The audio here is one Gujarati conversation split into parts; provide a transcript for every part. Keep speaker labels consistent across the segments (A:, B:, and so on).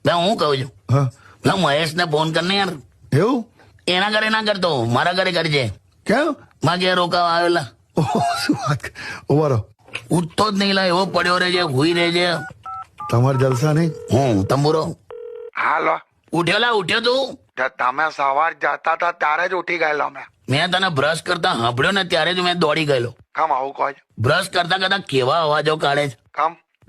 A: હું કહું છું
B: હા
A: મહેશ ને ફોન કરને યાર.
B: એવું
A: એના ઘરે ના કરતો, મારા ઘરે કરજે.
B: કેમ
A: માં ઘેર રોકાવા આવેલા.
B: ઓહો, શું વાત ઉભારો
A: ઉઠતો જ નહીં લા, એવો પડ્યો રહે છે, હુઈ રહે છે.
B: તમારે જલસા નહીં.
A: હું તંબુરો
C: હાલો,
A: ઉઠ્યો લા, ઉઠ્યો તું?
C: તમે સવાર જતા હતા ત્યારે જ ઉઠી ગયેલો
A: મેં તને બ્રશ કરતા સાંભળ્યો ને ત્યારે જ મેં દોડી ગયેલો.
C: કમ આવું કહો છો?
A: બ્રશ કરતા કરતા કેવા અવાજો કાઢે છે.
C: કમ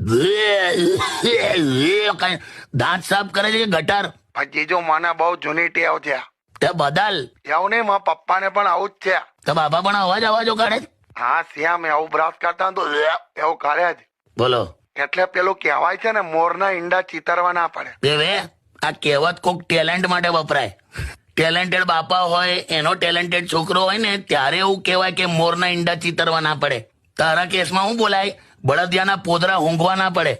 A: કાંઈ દાંત સાફ કરે છે કે ગટાર?
C: જીજુ મને બહુ જૂની ટેવ છે.
A: તે બદલ.
C: એવું નહીં, મારા પપ્પાને પણ આવું જ છે.
A: તો બાપા પણ અવાજો કાઢે છે.
C: હા શ્યામ, એવું બ્રશ કરતા તો એવું કરે જ.
A: બોલો
C: એટલે પેલું કહેવાય છે ને, મોરના ઈંડા ચીતરવા ના પડે.
A: દેવે, આ કહેવત કોક ટેલેન્ટ માટે વપરાય. ટેલેન્ટેડ બાપા હોય, એનો ટેલેન્ટેડ છોકરો હોય ને, ત્યારે એવું કહેવાય કે મોરના ઈંડા ચીતરવા ના પડે. તારા કેસમાં શું બોલાય? બળદિયાના પોદરા ઊંઘવા ના પડે.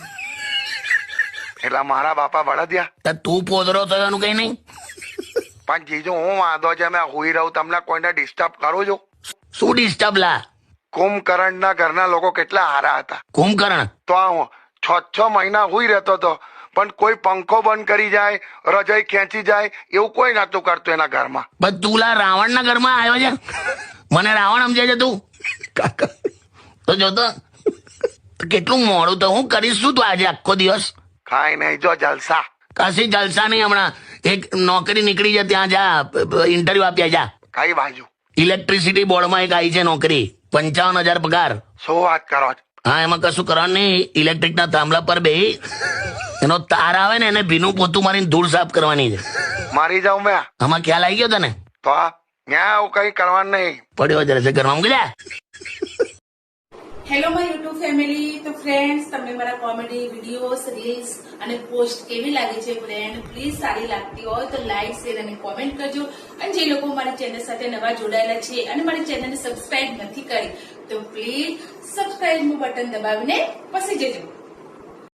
C: એટલે મારા બાપા બળદિયા.
A: તો તું પોદરો થયો એનું કઈ નહીં.
C: પણ જીજુ હું વાંધો છે, મેં હુઈ રહું, તમને કોઈને ડિસ્ટર્બ કરું છું?
A: શું ડિસ્ટર્બ લા?
C: કુંભકર્ણ ના ઘરના લોકો કેટલા હારા હતા.
A: કુંભકર્ણ
C: તો હું 6 મહિના હુઈ રહેતો હતો, પણ કોઈ પંખો બંધ કરી જાય, રજાઈ ખેંચી જાય, એવું કોઈ નતું કરતું એના ઘરમાં.
A: બસ તું લા રાવણ ના ઘરમાં આવ્યો છે. મને રાવણ સમજે છે તું? તો જોતો કેટલું મોડું. તો હું કરીશ શું તું આજે આખો દિવસ?
C: કાંઈ નહીં, જો જલસા.
A: કશી જલસા નહીં. હમણાં એક નોકરી નીકળી છે, ત્યાં જા, ઇન્ટરવ્યુ આપ્યા જા.
C: કઈ બાજુ?
A: ઇલેક્ટ્રિસિટી બોર્ડમાં એક આવી છે નોકરી, 55,000 પગાર.
C: શું વાત કરો છો?
A: હા, એમાં કશું કરવાનું નહીં. ઇલેક્ટ્રિકના થાંભલા પર બેહી એનો તાર આવે ને, એને ભીનું પોતું મારીને ધૂળ સાફ કરવાની છે.
C: મારી જાઉં મેં?
A: આમાં ખ્યાલ આવી ગયો તને?
C: તો ત્યાં આવું કઈ કરવાનું નહીં.
A: પડ્યો જરા ઘરમાં ગયા.
D: Hello my YouTube family. તો ફ્રેન્ડ્સ, તમને મારા કોમેડી વિડીયોઝ, રીલ્સ અને પોસ્ટ કેવી લાગે છે ફ્રેન્ડ? પ્લીઝ સારી લાગતી હોય તો લાઈક, શેર અને કોમેન્ટ કરજો. અને જે લોકો મારી ચેનલ સાથે નવા જોડાયેલા છે અને મારી ચેનલને સબસ્ક્રાઇબ નથી કરી, તો પ્લીઝ સબસ્ક્રાઇબનું બટન દબાવીને પસી જજો.